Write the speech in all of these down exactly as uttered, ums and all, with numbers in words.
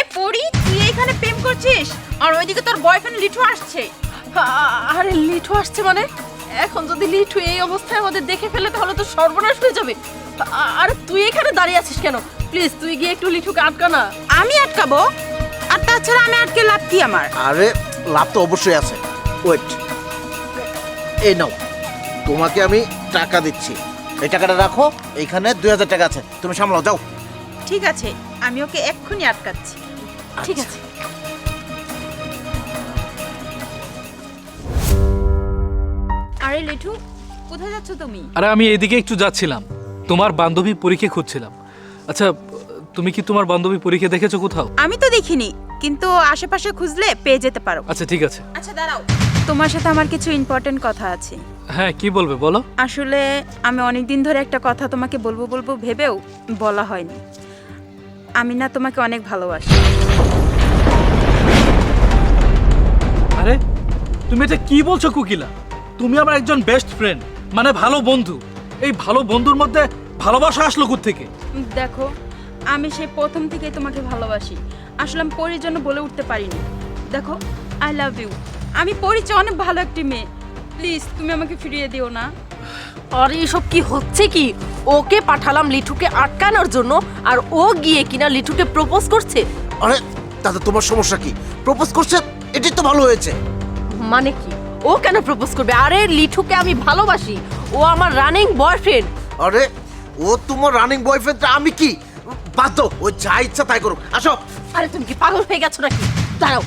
এই পরি, তুই এইখানে প্রেম করছিস আর ওইদিকে তোর বয়ফ্রেন্ড লিঠু আসছে। আরে লিঠু আসছে মানে? এখন যদি লিঠু এই অবস্থায় আমাদের দেখে ফেলে তাহলে তো সর্বনাশ হয়ে যাবে। আরে তুই এখানে দাঁড়িয়ে আছিস কেন? প্লিজ তুই গিয়ে একটু লিঠুকে আটকা না। আমি আটকাবো? আর তাছাড়া আমি আটকে লাভ কি আমার? আরে লাভ তো অবশ্যই আছে। ওয়েট, এই নাও, তোমাকে আমি টাকা দিচ্ছি, এই টাকাটা রাখো। এইখানে দুই হাজার টাকা আছে, তুমি সামলাও, যাও। ঠিক আছে, আমি ওকে এক্ষুনি আটকাচ্ছি। ঠিক আছে। আরে লিঠু, কোথায় যাচ্ছ তুমি? আরে আমি এদিকে একটু যাচ্ছিলাম, তোমার বান্ধবী পরীক্ষা খুঁজছিলাম। আচ্ছা, তুমি কি তোমার বান্ধবী পরীক্ষা দেখেছো কোথাও? আমি তো দেখিনি, কিন্তু আশেপাশে খুঁজলে পেয়ে যেতে পারো। আচ্ছা ঠিক আছে। আচ্ছা দাঁড়াও, তোমার সাথে আমার কিছু ইম্পর্টেন্ট কথা আছে। হ্যাঁ, কি বলবে বলো। আসলে আমি অনেক দিন ধরে একটা কথা তোমাকে বলবো বলবো ভেবেও বলা হয়নি। আমি না তোমাকে অনেক ভালোবাসি। আরে তুমি এটা কি বলছো কোকিলা? তুমি আমার একজন বেস্ট ফ্রেন্ড, মানে ভালো বন্ধু। এই ভালো বন্ধুর মধ্যে ভালোবাসা আসলো কোত্থেকে? দেখো, আমি সেই প্রথম থেকেই তোমাকে ভালোবাসি। আসলে আমি পরির জন্য বলে উঠতে পারিনি। দেখো, আই লাভ ইউ। আমি পরির চেয়ে অনেক ভালো একটি মেয়ে। প্লিজ তুমি আমাকে ফিরিয়ে দিও না। আরে এসব কি হচ্ছে কি? ওকে পাঠালাম লিঠুকে আটকানোর জন্য আর ও গিয়ে কিনা লিঠুকে প্রপোজ করছে। আরে তাতে তোমার সমস্যা কি? প্রপোজ করছে, এটাই তো ভালো হয়েছে। মানে কি? ও কেন প্রপোজ করবে? আরে লিঠুকে আমি ভালোবাসি, ও আমার রানিং বয়ফ্রেন্ড। আরে ও তোমার রানিং বয়ফ্রেন্ড, আমি কি? বাদ দাও, ও যা ইচ্ছা তাই করুক। আসো। আরে তুমি কি পাগল হয়ে গেছো নাকি? দাঁড়াও।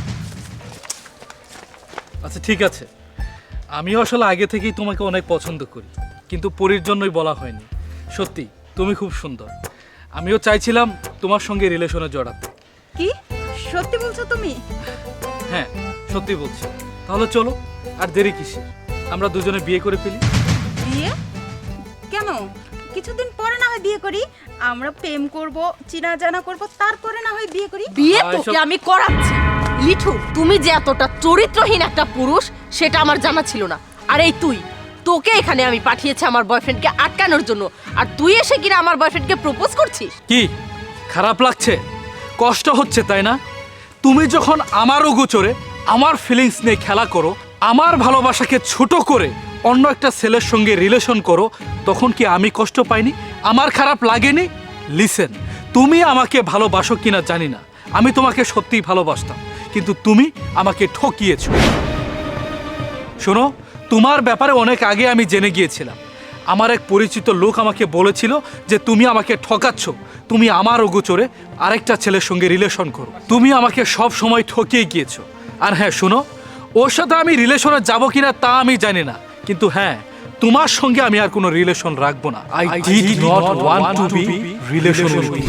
আচ্ছা ঠিক আছে, আমিও আসলে আগে থেকেই তোমাকে অনেক পছন্দ করি, কিন্তু পরীর জন্যই বলা হয়নি। সত্যি তুমি খুব সুন্দর, আমিও চাইছিলাম তোমার সঙ্গে রিলেশনে জড়াতে। কি সত্যি বলছো তুমি? হ্যাঁ সত্যি বলছি। তাহলে চলো, আর দেরি কিসের, আমরা দুজনে বিয়ে করে ফেলি। বিয়ে? কেন? কিছুদিন পরে না হয় বিয়ে করি। আমরা প্রেম করব, চিনা জানা করব, তারপরে না হয় বিয়ে করি। বিয়ে আহ, তোকে এসব- আমি করাচ্ছি। লিঠু, তুমি যে এতটা চরিত্রহীন একটা পুরুষ সেটা আমার জানা ছিল না। আর এই তুই, তোকে এখানে আমি পাঠিয়েছি আমার বয়ফ্রেন্ডকে আটকানোর জন্য, আর তুই এসে কিনা আমার বয়ফ্রেন্ডকে প্রপোজ করছিস। কি খারাপ লাগছে? কষ্ট হচ্ছে তাই না? তুমি যখন আমার অগোচরে আমার ফিলিংস নিয়ে খেলা করো, আমার ভালোবাসাকে ছোট করে অন্য একটা ছেলের সঙ্গে রিলেশন করো, তখন কি আমি কষ্ট পাইনি? আমার খারাপ লাগেনি? লিসেন, তুমি আমাকে ভালোবাসো কিনা জানি না, আমি তোমাকে সত্যিই ভালোবাসতাম, কিন্তু তুমি আমাকে ঠকিয়েছো। শোনো, তোমার ব্যাপারে অনেক আগে আমি জেনে গিয়েছিলাম। আমার এক পরিচিত লোক আমাকে বলেছিল যে তুমি আমাকে ঠকাচ্ছ, তুমি আমার অগোচরে আরেকটা ছেলের সঙ্গে রিলেশন করো। তুমি আমাকে সব সময় ঠকিয়ে গিয়েছো। আর হ্যাঁ শোনো, ওর সাথে আমি রিলেশনে যাব কিনা তা আমি জানি না, কিন্তু হ্যাঁ, তোমার সঙ্গে আমি আর কোনো রিলেশন রাখবো না। I did not want to be relation with you.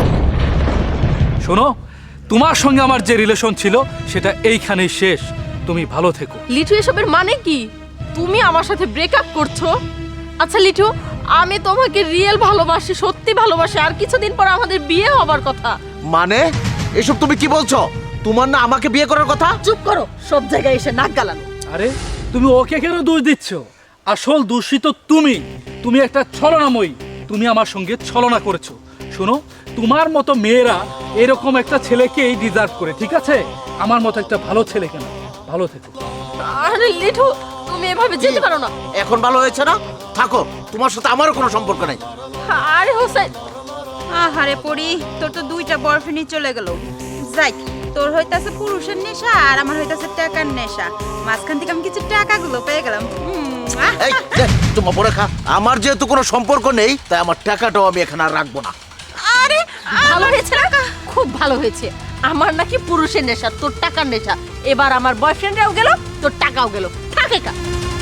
শোনো, তোমার সঙ্গে আমার যে রিলেশন ছিল সেটা এইখানেই শেষ। তুমি ভালো থেকো। লিঠু, এসবের মানে কি? তুমি আমার সাথে ব্রেকআপ করছো? আচ্ছা লিঠু, আমি তোমাকে রিয়েল ভালোবাসি, সত্যি ভালোবাসি, আর কিছুদিন পর আমাদের বিয়ে হবার কথা। মানে এসব তুমি কি বলছো? তোমার না আমাকে বিয়ে করার কথা? চুপ করো, সব জায়গায় এসে নাক গালানো। আরে তুমি ওকে কেন দোষ দিচ্ছ? আসল দোষী তো তুমি। তুমি একটা ছলনাময়ী, তুমি আমার সঙ্গে ছলনা করেছো। শোনো, তোমার মতো মেয়েরা এরকম একটা ছেলেকেই ডিজার্ভ করে, ঠিক আছে? আমার মতো একটা ভালো ছেলে কেন? ভালো থেকো। আরে লিঠু, তুমি এভাবে যেতে পারো না। এখন ভালো হয়েছে না? থাকো, তোমার সাথে আমারও কোনো সম্পর্ক নাই। আরে হোসেন, আহারে পরি, তোর তো দুইটা বয়ফ্রেন্ডই চলে গেল। যাই, তোর হইতাছে পুরুষের নেশা আর আমার হইতাছে টাকার নেশা। মাঝখান থেকে আমি কিছু টাকাগুলো পেয়ে গেলাম। উম, আহ! এই দে, তোমার পরে খা। আমার যেহেতু কোনো সম্পর্ক নেই, তাই আমার টাকাটাও আমি এখানে আর রাখবো না। আরে ভালো হয়েছে না? খুব ভালো হয়েছে। আমার নাকি পুরুষের নেশা, তোর টাকার নেশা। এবার আমার বয়ফ্রেন্ডরাও গেল, তোর টাকাও গেল। থাকে কা